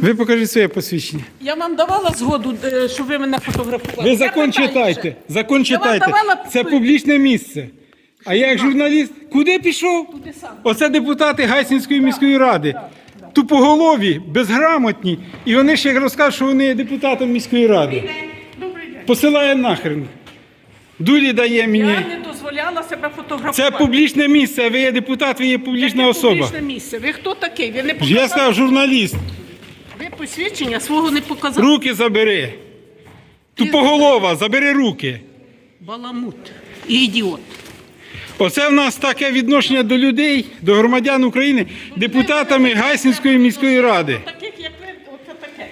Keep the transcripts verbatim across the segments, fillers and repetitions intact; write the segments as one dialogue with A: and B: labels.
A: Ви покажіть своє посвідчення.
B: Я вам давала згоду, е, щоб ви мене фотографували.
A: Ви закон
B: Я питаю
A: читайте.
B: ще.
A: Закон
B: Я
A: читайте.
B: вам давала
A: Це публічне місце. А я як журналіст, куди пішов?
B: Туди сам.
A: Оце депутати Гайсинської міської ради. Тупоголові, безграмотні. І вони ще розкажуть, що вони є депутатом міської ради.
B: Добрий день.
A: Посилає нахрен. Дулі дає мені.
B: Я не дозволяла себе фотографувати.
A: Це публічне місце, ви є депутат, ви є публічна
B: Яке
A: особа.
B: публічне місце. Ви хто такий? Ви не
A: Я
B: показали?
A: сказав, журналіст.
B: Ви посвідчення свого не показали.
A: Руки забери. Тупоголова, забери руки.
B: Баламут і ідіот.
A: Оце в нас таке відношення до людей, до громадян України, депутатами Гайсинської міської ради.
B: Таких, як ви, оце таке.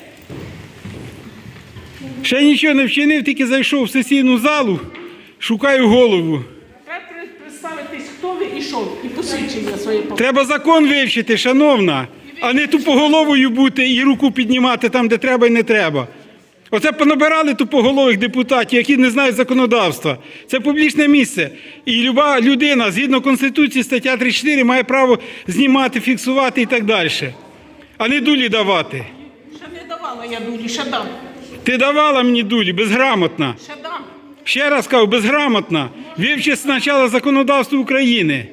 A: Ще нічого не вчинив, тільки зайшов в сесійну залу, шукаю голову.
B: Треба представитись, хто ви і що ви, і посвідчення своє показати.
A: Треба закон вивчити, шановна, а не тупоголовою бути і руку піднімати там, де треба і не треба. Оце понабирали тупоголових депутатів, які не знають законодавства. Це публічне місце. І люба людина, згідно Конституції, стаття тридцять чотири, має право знімати, фіксувати і так далі. А не дулі давати.
B: Ще не давала я дулі, ще дам.
A: Ти давала мені дулі, безграмотна.
B: Ще дам.
A: Ще раз кажу, безграмотна. Вивчи спочатку законодавство України.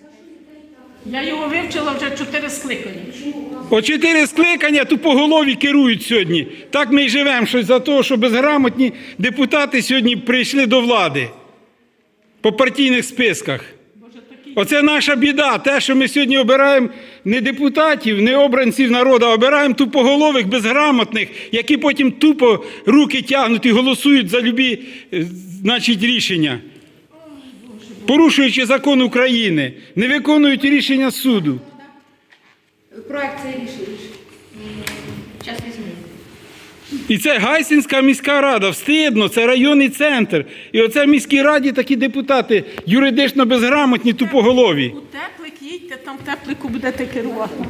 B: Я його вивчила вже чотири скликання.
A: О чотири скликання тупоголові керують сьогодні. Так ми й живемо, щось за те, що безграмотні депутати сьогодні прийшли до влади по партійних списках. Оце наша біда, те, що ми сьогодні обираємо не депутатів, не обранців народу, а обираємо тупоголових, безграмотних, які потім тупо руки тягнуть і голосують за любі, значить, рішення. Порушуючи закон України, не виконують рішення суду.
C: Проект це рішення. Зараз візьму.
A: І це Гайсинська міська рада, встидно, це районний центр. І оце в міській раді такі депутати юридично безграмотні, тупоголові.
B: У теплик їдьте, там в теплику будете керувати.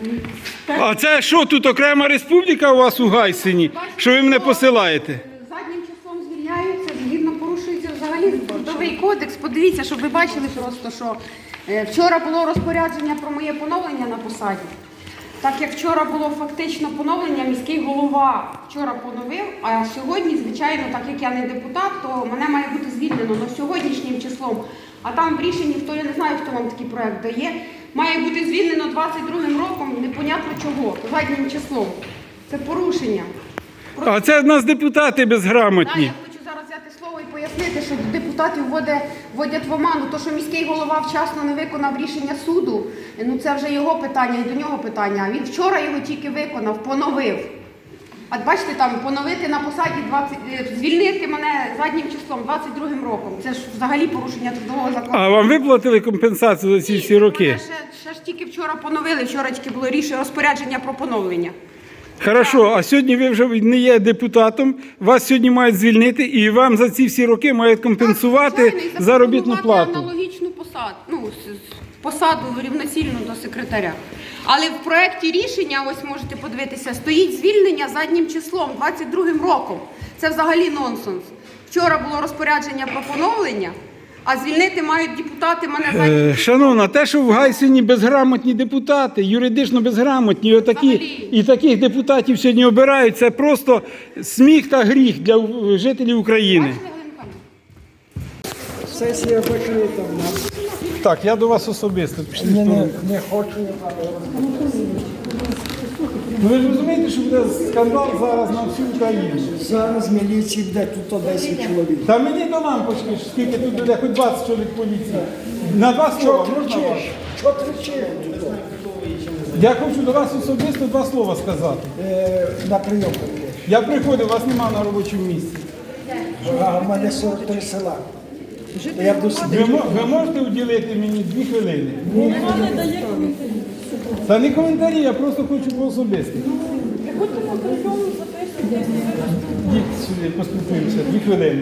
A: А це що, тут окрема республіка у вас у Гайсині, що ви мене посилаєте?
C: Заднім числом звільняються, згідно порушується взагалі трудовий кодекс. Подивіться, щоб ви бачили просто, що е, вчора було розпорядження про моє поновлення на посаді. Так як вчора було фактично поновлення, міський голова вчора поновив, а сьогодні, звичайно, так як я не депутат, то мене має бути звільнено на сьогоднішнім числом. А там в рішенні, хто я не знаю, хто вам такий проект дає, має бути звільнено двадцять другим роком, непонятно чого, заднім числом. Це порушення.
A: А це в нас депутати
C: Так,
A: безграмотні.
C: я хочу зараз взяти слово і пояснити, що депутатів вводять, вводять в оману. То, що міський голова вчасно не виконав рішення суду, ну це вже його питання і до нього питання. А він вчора його тільки виконав, поновив. А бачите, там поновити на посаді двадцять, е, звільнити мене заднім числом двадцять другим роком. Це ж взагалі порушення трудового закону.
A: А вам виплатили компенсацію за ці всі роки?
C: Мене ще, ще ж тільки вчора поновили, вчора тільки було рішення розпорядження про поновлення.
A: Хорошо, а сьогодні ви вже не є депутатом, вас сьогодні мають звільнити і вам за ці всі роки мають компенсувати
C: Так, звичайно, і
A: заробітну
C: запропонувати
A: плату.
C: аналогічну посаду, ну, с- с- посаду рівноцільну до секретаря. Але в проєкті рішення, ось можете подивитися, стоїть звільнення заднім числом, двадцять другим роком. Це взагалі нонсенс. Вчора було розпорядження про поновлення, а звільнити мають депутати мене заднім
A: Е,
C: числом.
A: Шановна, те, що в Гайсині безграмотні депутати, юридично безграмотні, отакі,
C: Взагалі.
A: і таких депутатів сьогодні обирають, це просто сміх та гріх для е, жителів України.
C: Бачили, Галина Михайлівна?
D: Сесія закрита в нас.
A: Так, я до вас особисто пішли.
D: Не, не, не хочу.
A: Ну, ви ж розумієте, що буде скандал зараз на всю Україну.
D: Зараз міліції буде тут десять чоловік.
A: Та мені до лампочки, скільки тут буде, хоч двадцять чоловік поліції. На два
D: Що
A: слова можна вам?
D: кричиш? Що кричиш тут?
A: Я хочу до вас особисто два слова сказати.
D: Е, на прийом приїдеш.
A: Я приходив, вас нема на робочому місці.
D: А в мене сорок три села. То я буду
A: Ви,
D: сидіти.
A: мо- ви можете уділити мені дві хвилини? Та не коментарі, я просто хочу по особисто. Йдіть сюди, поспілкуємося, дві хвилини.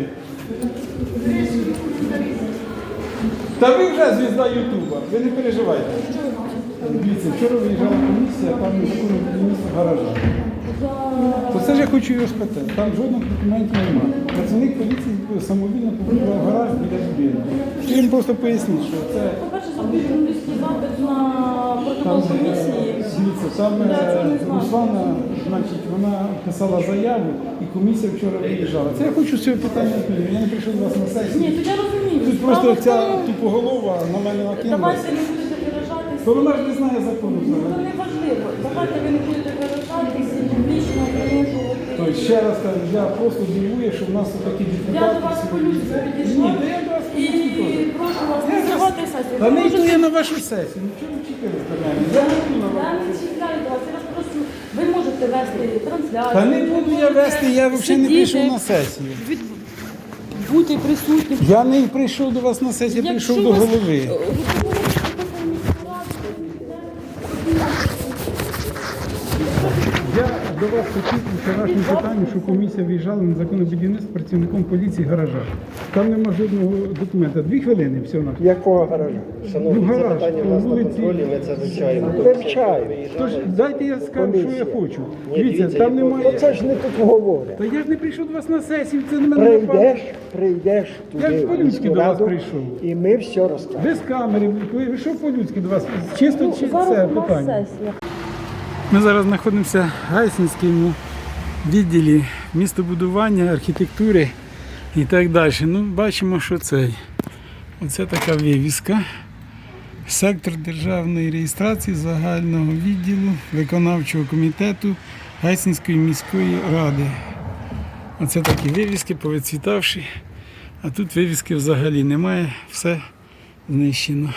A: Та ви вже звізда Ютуба, ви не переживайте. Дивіться, вчора виїжджала комісія, там незаконно будівництво гаража. То це ж я хочу його спитати. Там жодних документів немає. Працівник поліції самовільно побудував гараж біля будинку. Я їм просто поясніть, що це...
E: По-перше, зробив журналістський запит на
B: судовій комісії.
E: Дивіться, там
B: Я цього не
E: е,
B: знаю.
E: Руслана, значить, вона писала заяву і комісія вчора виїжджала. Це я хочу з цього питання відповідати. Я не прийшов до вас на
B: Ні,
E: сесію.
B: то я розумію.
E: Тут
B: Справа
E: просто
B: в
E: ця
B: тому,
E: тупоголова на мене накинулася.
B: давайте не будете виражатися.
E: То вона ж не знає закону
B: Ну,
E: взагалі.
B: не важливо. Давайте ви не будете виражатися і публічно принижувати.
E: Тобто, ще раз кажу, я просто дивує, що в нас тут такі депутати.
B: Я до вас по-людськи підійшла
E: Ні, та я до вас
B: і
E: по-людськи теж.
B: прошу вас не зривати сесію.
E: Та
B: Ви
E: не йду
B: можете-
E: я на вашу сесію. Ну чого ви чекали з мене? Я не йду на
B: Я
E: вашу
B: не
E: сесію.
B: чекаю до вас, я вас просто, ви можете вести трансляцію.
E: Та не буду я вести, я взагалі не прийшов на сесію.
B: Від... Бути присутнім.
E: Я не прийшов до вас на сесію, я прийшов до
B: вас-
E: голови.
B: Ви говорите про міську
E: Я до вас хотів у вчорашньому питанні, що комісія виїжджала на незаконне будівництво працівником поліції гаража. Там нема жодного документа. Дві хвилини всього на
D: Якого гаража?
E: Ну,
F: Шановні, це
E: гараж,
F: питання в нас на
E: вулиці.
F: контролі, ми це вивчаємо.
D: Вивчаємо.
E: Тож дайте я скажу, що я хочу. Дивіться,
F: дивіться,
E: там
F: є
E: немає.
D: Це ж не тут говорять.
E: Та я ж не прийшов до вас на сесію, це на мене напало.
D: Прийдеш, прийдеш
E: Я ж
D: туди, в
E: по-людськи
D: міську
E: до вас
D: раду,
E: прийшов.
D: і ми все розкажемо.
E: Без камери, ви що по-людськи до вас? Чисто чи це
B: Зараз у нас
E: питання?
B: сесія.
E: Ми зараз знаходимося в Гайсинському відділі містобудування, архітектури і так далі. Ну, бачимо, що це. Оце така вивіска. Сектор державної реєстрації загального відділу виконавчого комітету Гайсинської міської ради. Оце такі вивіски, повицвітавші. А тут вивіски взагалі немає, все знищено.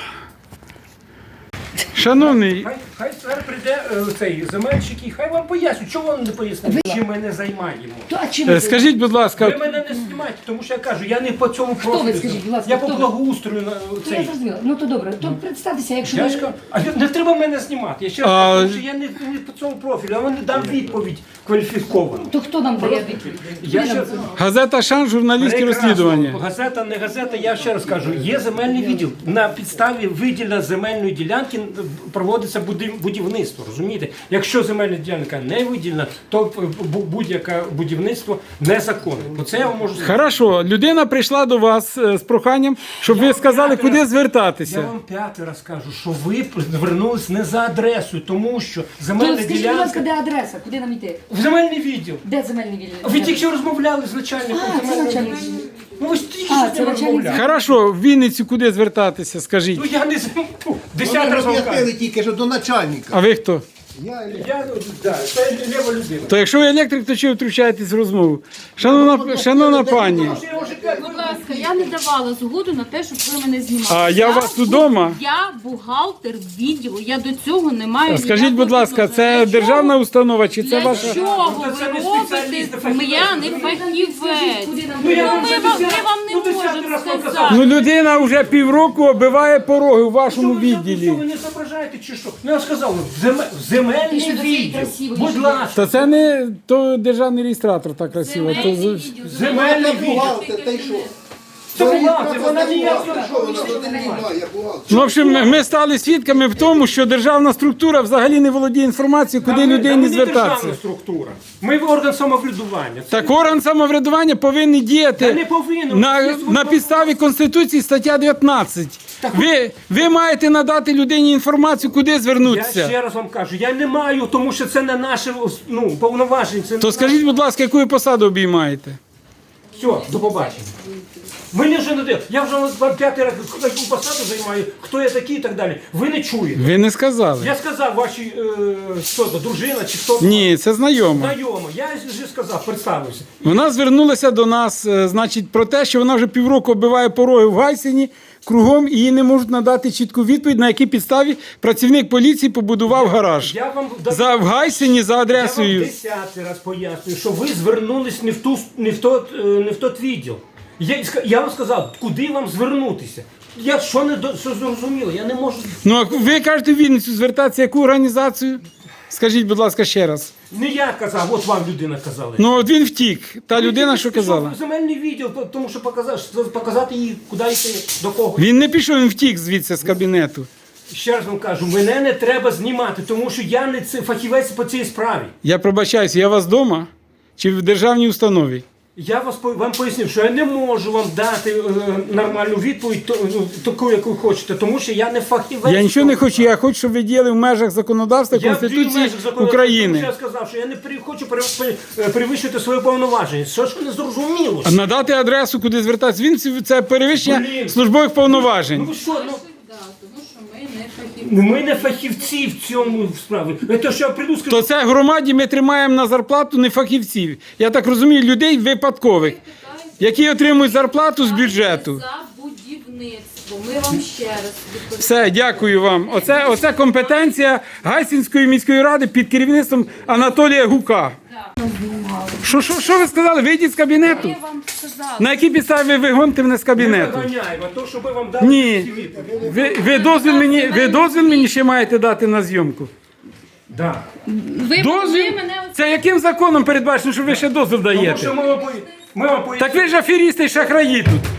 E: Шановний,
G: Хай, хай тепер прийде е, цей земельщик і хай вам пояснюють, чого вони не пояснюють, чим ми не займаємо.
E: е, скажіть, будь ласка,
G: Ви мене не знімайте, тому що я кажу, я не по цьому профілю.
H: скажіть, будь ласка,
G: я по
H: хто ви?
G: благоустрою на
H: То я
G: цей.
H: зрозуміла. Ну то добре, то представтеся, якщо
G: Я
H: ви...
G: ж кажу, а не треба мене знімати. Я ще раз
E: А,
G: кажу, тому що я не, не по цьому профілю, а вони дам відповідь кваліфіковану.
H: То хто нам дає відповідь?
G: Я
H: Куди
G: ще...
H: нам це?
E: газета «Шан», журналістські
G: Прекрасно.
E: розслідування.
G: Газета, не газета, я ще раз кажу, є земельний відділ. На підставі виділення земельної ділянки проводиться буди- будівництво, розумієте? Якщо земельна ділянка не виділена, то бу- будь-яке будівництво незаконне. Бо це я вам можу сказати.
E: Хорошо, людина прийшла до вас е, з проханням, щоб ви сказали, куди
G: Я
E: звертатися.
G: вам п'ятий раз кажу, що ви звернулись не за адресою, тому що
H: То
G: земельна
H: скажіть, будь ласка,
G: ділянка...
H: де адреса? Куди нам йти?
G: В земельний відділ.
H: Де земельний відділ?
G: Ви тільки що розмовляли з начальником
H: А, це
G: земельного
H: начальник.
G: відділу. Ну ви ж тільки
H: А,
G: що з
H: це
G: ним
H: начальник.
G: розмовляли.
E: Хорошо, в Вінницю куди звертатися, скажіть.
G: Ну я не з- фу, десятий раз вам кажу.
I: Роз'яснили тільки що до начальника.
E: А ви хто?
I: Я
G: Я, ну, да, це лєва людина.
E: То якщо ви електрик, то чого ви втручаєтесь в розмову? Шановна, шановна пані,
B: Будь ласка, я не давала згоду на те, щоб ви мене знімали.
E: а я у вас
B: бу-
E: удома?
B: Я бухгалтер відділу, я до цього не маю.
E: Скажіть,
B: ніякого
E: будь ласка,
B: відношення.
E: це
B: Для
E: державна
B: чого-
E: установа чи це
B: Для
E: ваша?
B: чого
G: Це
B: ви
G: не
B: робите?
G: спеціаліст, а фахівець.
B: Я не фахівець.
H: Куди нам
G: Ну, я
B: Ну,
G: вам
B: ми
G: вже
B: вам, ми
G: десятий-
B: вам
G: ну,
B: не
G: десятий
B: можемо
G: раз вам
B: сказати.
G: казав.
E: Ну людина вже півроку оббиває пороги у вашому
G: Що ви, що
E: відділі.
G: ви не зображаєте чи що? Ну, я сказав, в земе- в земельний
H: Пиши до цієї
G: відділ.
H: красивої
G: Будь
H: жінки.
G: ласка,
E: Та це не то державний реєстратор так красиво. То... з-
G: земельний відділ.
I: бухгалтер, та й що?
G: Це бухгалтер, вона ніяк.
I: Що вона туди не має, бухгалтер?
E: Ну, в общем, ми стали свідками в тому, що державна структура взагалі не володіє інформацією, куди
G: Ми-
E: людині
G: ми не
E: звертатися.
G: державна структура. Ми орган самоврядування. Це
E: Так орган самоврядування повинен
G: Та
E: діяти
G: не повинен.
E: на,
G: Є
E: на підставі Конституції стаття дев'ятнадцять. Ви, ви маєте надати людині інформацію, куди
G: Я
E: звернутися.
G: ще раз вам кажу, я не маю, тому що це не наше ну, повноваження. Це не
E: То скажіть, будь ласка, яку ви посаду обіймаєте?
G: Все, до побачення. Мені вже не де. Я вже вам п'ятий раз яку посаду займаю, хто я такий і так далі. Ви не чуєте.
E: Ви не сказали.
G: Я сказав вашій е, хто то, дружина чи хто то.
E: Ні, це знайомо.
G: Знайомо. Я вже сказав, представився.
E: Вона звернулася до нас, е, значить, про те, що вона вже півроку оббиває пороги в Гайсині кругом і їй не можуть надати чітку відповідь, на якій підставі працівник поліції побудував гараж.
G: Я вам дав-
E: За в Гайсині за
G: Я вам
E: адресою.
G: десятий раз пояснюю, що ви звернулись не в ту не в тот, е, не в тот відділ. Я, ска- я вам сказав, куди вам звернутися. Я що не до- що зрозуміло, я не можу.
E: Ну, а ви кажете в Вінницю звертатися, яку організацію? Скажіть, будь ласка, ще раз.
G: Не я казав, от вам людина казала.
E: Ну, от він втік. Та людина, що
G: Пішов
E: казала.
G: в земельний відділ, тому що показати, показати їй, куди йти, до кого.
E: Він не пішов, він втік звідси з кабінету.
G: Ще раз вам кажу, мене не треба знімати, тому що я не це- фахівець по цій справі.
E: Я пробачаюся, я у вас вдома чи в державній установі?
G: Я вас по- вам пояснив, що я не можу вам дати е, нормальну відповідь, то, ну, таку, яку ви хочете, тому що я не фахівець.
E: Я нічого не хочу, я хочу, щоб ви діяли в межах законодавства
G: Я в
E: Конституції
G: межах законодавства,
E: України.
G: тому що я сказав, що я не при- хочу пере- пере- перевищувати свої повноваження. Що ж не зрозуміло?
E: А надати адресу, куди звертатися, він це перевищення
G: Блін.
E: службових повноважень.
G: Ну ви що, ну,
B: Да, тому що ми не фахівці.
G: ну, ми не фахівці в цьому справі. Те, що я прийду, скажу,
E: То це громаді ми тримаємо на зарплату не фахівців. Я так розумію, людей випадкових, які отримують зарплату з бюджету.
B: За будівництво. Ми вам ще раз відповідаємо.
E: Все, дякую вам. Оце, оце компетенція Гайсинської міської ради під керівництвом Анатолія Гука. Що, що, що ви сказали? Вийдіть з кабінету?
B: Я вам сказала.
E: На якій підставі ви вигоните мене з
G: не
E: кабінету?
G: виганяємо, а то, щоб ви вам дали
E: Ні.
G: всі відповіді.
E: Ви, ви, дозвіл мені, ви дозвіл мені ще маєте дати на зйомку?
G: Да.
B: Ви,
E: Дозвіл?
B: ви мене
E: Це яким законом передбачено, що ви ще дозвіл
G: Тому
E: даєте?
G: що ми вам, пої- ми вам
E: Так ви ж аферісти і шахраї тут.